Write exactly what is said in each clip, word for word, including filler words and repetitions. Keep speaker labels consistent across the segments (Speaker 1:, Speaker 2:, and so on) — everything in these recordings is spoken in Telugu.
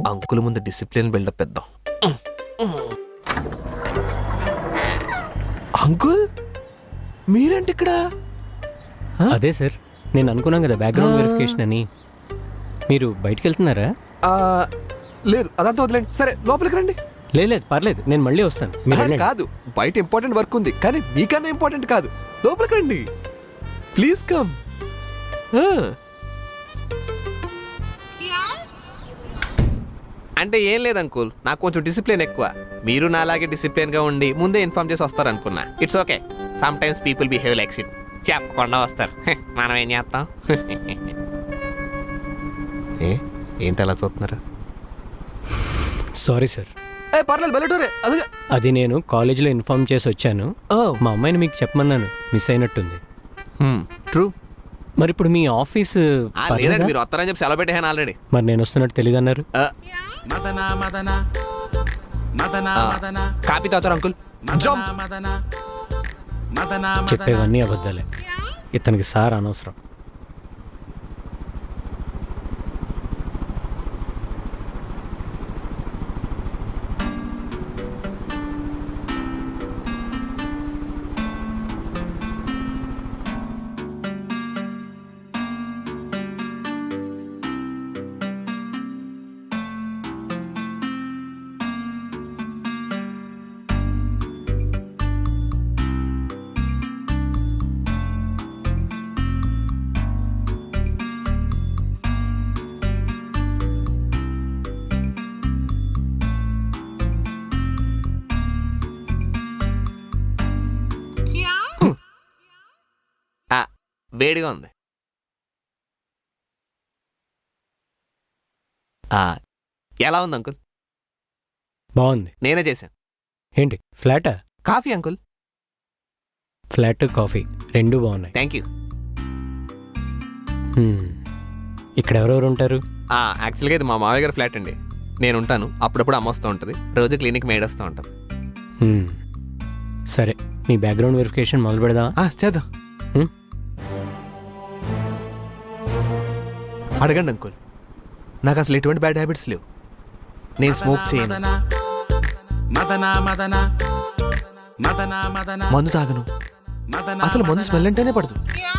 Speaker 1: అంకుల్ ముందు డిసిప్లిన్ బిల్డప్ ఇద్దాం. అంకుల్ మీరేంటి ఇక్కడ?
Speaker 2: అదే సార్, నేను అనుకున్నాను కదా బ్యాక్గ్రౌండ్ వెరిఫికేషన్ అని. మీరు బయటికి వెళ్తున్నారా?
Speaker 1: లేదు, అదంతా వదిలేండి. సరే లోపలికి రండి.
Speaker 2: లేదు లేదు పర్లేదు, నేను మళ్ళీ వస్తాను. మీరు వెళ్ళండి.
Speaker 1: కాదు, బయట ఇంపార్టెంట్ వర్క్ ఉంది, కానీ మీకన్నా ఇంపార్టెంట్ కాదు. లోపలికి రండి ప్లీజ్, కమ్. అంటే ఏం లేదు అంకుల్, నాకు కొంచెం డిసిప్లిన్ ఎక్కువ. మీరు నాలాగే డిసిప్లిన్గా ఉండి ముందే ఇన్ఫార్మ్ చేసి వస్తారు అనుకున్నా. It's okay, sometimes people behave like shit. చెప్పకుండా వస్తారు, మనం ఏం చేస్తాం? ఏ ఏంటి అలా చూస్తున్నారు?
Speaker 2: Sorry sir.
Speaker 1: పర్లేదు, బెల్లటోరే. అదే
Speaker 2: అది నేను కాలేజీలో ఇన్ఫార్మ్ చేసి వచ్చాను. మా అమ్మాయిని మీకు చెప్పమన్నాను, మిస్ అయినట్టుంది.
Speaker 1: ట్రూ.
Speaker 2: మరి ఇప్పుడు మీ ఆఫీస్
Speaker 1: లేదండి, మీరు వస్తారని చెప్పి సెలవు పెట్టాను ఆల్రెడీ.
Speaker 2: మరి నేను వస్తున్నట్టు తెలియదు అన్నారు.
Speaker 1: కాపీ తాగుతారు అంకుల్?
Speaker 2: చెప్పేవన్నీ అబద్ధాలే. ఇతనికి సార్ అనవసరం.
Speaker 1: వేడిగా ఉంది. ఎలా ఉంది అంకుల్?
Speaker 2: బాగుంది.
Speaker 1: నేనే చేశాను.
Speaker 2: ఏంటి ఫ్లాటా?
Speaker 1: Coffee uncle.
Speaker 2: ఫ్లాట్ కాఫీ రెండు బాగున్నాయి.
Speaker 1: Thank you.
Speaker 2: ఇక్కడ ఎవరెవరు ఉంటారు?
Speaker 1: యాక్చువల్గా ఇది మా మావయ్య గారి ఫ్లాట్ అండి. నేను ఉంటాను, అప్పుడప్పుడు అమ్మ వస్తూ ఉంటుంది, రోజు క్లినిక్ మేడ్ వస్తూ ఉంటుంది.
Speaker 2: సరే, మీ బ్యాక్గ్రౌండ్ వెరిఫికేషన్ మొదలు పెడదామా?
Speaker 1: చేద్దాం. అడగండి అంకుల్, నాకు అసలు ఎటువంటి బ్యాడ్ హ్యాబిట్స్ లేవు. నేను స్మోక్ చేయను, మందు తాగను, అసలు మందు స్మెల్ అంటేనే పడదు.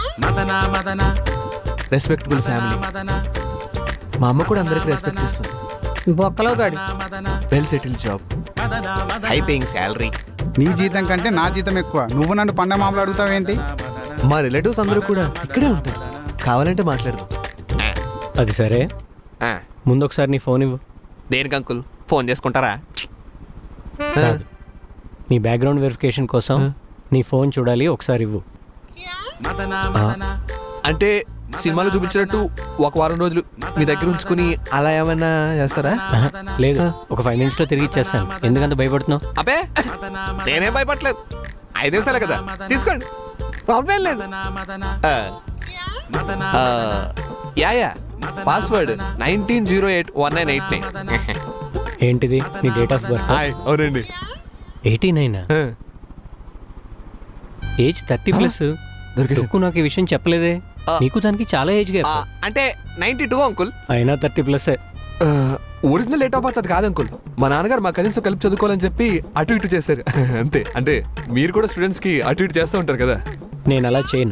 Speaker 1: రెస్పెక్టబుల్ ఫ్యామిలీ, మా అమ్మ కూడా అందరికి రెస్పెక్ట్ ఇస్తుంది.
Speaker 3: బొక్కలో గాడి,
Speaker 1: well settle job, high paying salary.
Speaker 4: నీ జీతం కంటే నా జీతం ఎక్కువ, నువ్వు నన్ను పండ మామూలు అడుగుతావేంటి?
Speaker 1: మా రిలేటివ్స్ అందరూ కూడా ఇక్కడే ఉంటారు, కావాలంటే మాట్లాడదాం.
Speaker 2: అది సరే, ముందు ఒకసారి నీ ఫోన్ ఇవ్వు.
Speaker 1: దేనికి అంకుల్? ఫోన్ చేసుకుంటారా?
Speaker 2: కాదు, నీ బ్యాక్గ్రౌండ్ వెరిఫికేషన్ కోసం నీ ఫోన్ చూడాలి, ఒకసారి ఇవ్వు.
Speaker 1: అంటే సినిమాలో చూపించినట్టు ఒక వారం రోజులు మీ దగ్గర ఉంచుకుని అలా ఏమైనా చేస్తారా?
Speaker 2: లేదు, ఒక ఫైవ్ మినిట్స్లో తిరిగి ఇచ్చేస్తాను. ఎందుకంత భయపడుతున్నావు?
Speaker 1: అబ్బే నేనేం భయపడలేదు, ఐదు నిమిషాలే కదా, తీసుకోండి, ప్రాబ్లం లేదు. Yeah yeah password nineteen zero eight one nine eight nine.
Speaker 2: ఏంటిది నీ డేట్ ఆఫ్ బర్త్?
Speaker 1: అవునండి.
Speaker 2: ఎయిటీ నైనా? Age thirty plus. దొరికి నాకు ఈ విషయం చెప్పలేదే. నీకు దానికి చాలా ఏజ్ గ్యాప్.
Speaker 1: అంటే నైన్టీ టూ అంకుల్.
Speaker 2: అయినా thirty plus.
Speaker 1: Original date of birth అది కాదు అంకుల్. మా నాన్నగారు మా కజిన్స్ కలిపి చదువుకోవాలని చెప్పి అటు ఇటు చేశారు అంతే. అంటే మీరు కూడా స్టూడెంట్స్ కి అటు ఇటు చేస్తూ ఉంటారు కదా.
Speaker 2: నేను అలా చేయను.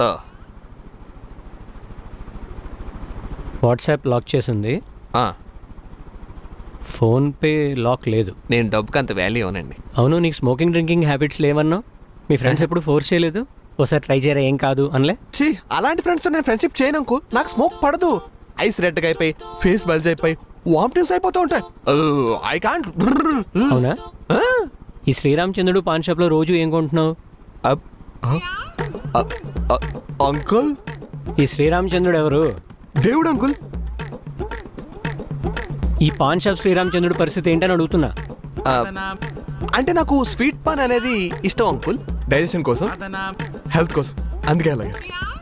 Speaker 2: వాట్సాప్ లాక్ చేసింది, ఫోన్పే లాక్ లేదు.
Speaker 1: నేను డబ్బుకి అంత వాల్యూ అవునండి.
Speaker 2: అవును, నీకు స్మోకింగ్ డ్రింకింగ్ హ్యాబిట్స్ లేవన్నావు. మీ ఫ్రెండ్స్ ఎప్పుడు ఫోర్స్ చేయలేదు? ఒకసారి ట్రై చేయరా, ఏం కాదు అనలే?
Speaker 1: చీ, అలాంటి ఫ్రెండ్స్తో నేను ఫ్రెండ్షిప్ చేయను అంకుల్. నాకు స్మోక్ పడదు. ఐస్ రెడ్గా అయిపోయి, ఫేస్ బల్జ్ అయిపోయి, వామిటింగ్స్ అయిపోతూ ఉంటాయి. I can't.
Speaker 2: అవునా? ఈ శ్రీరామచంద్రుడు పాన్ షాప్లో రోజు ఏం కొంటున్నావు?
Speaker 1: అంకుల్,
Speaker 2: ఈ శ్రీరామచంద్రుడు ఎవరు?
Speaker 1: దేవుడు అంకుల్.
Speaker 2: ఈ పాన్ షాప్ శ్రీరామచంద్రుడు పరిస్థితి ఏంటని అడుగుతున్నా.
Speaker 1: అంటే నాకు స్వీట్ పాన్ అనేది ఇష్టం అంకుల్, డైజెషన్ కోసం, హెల్త్ కోసం, అందుకే అలాగే.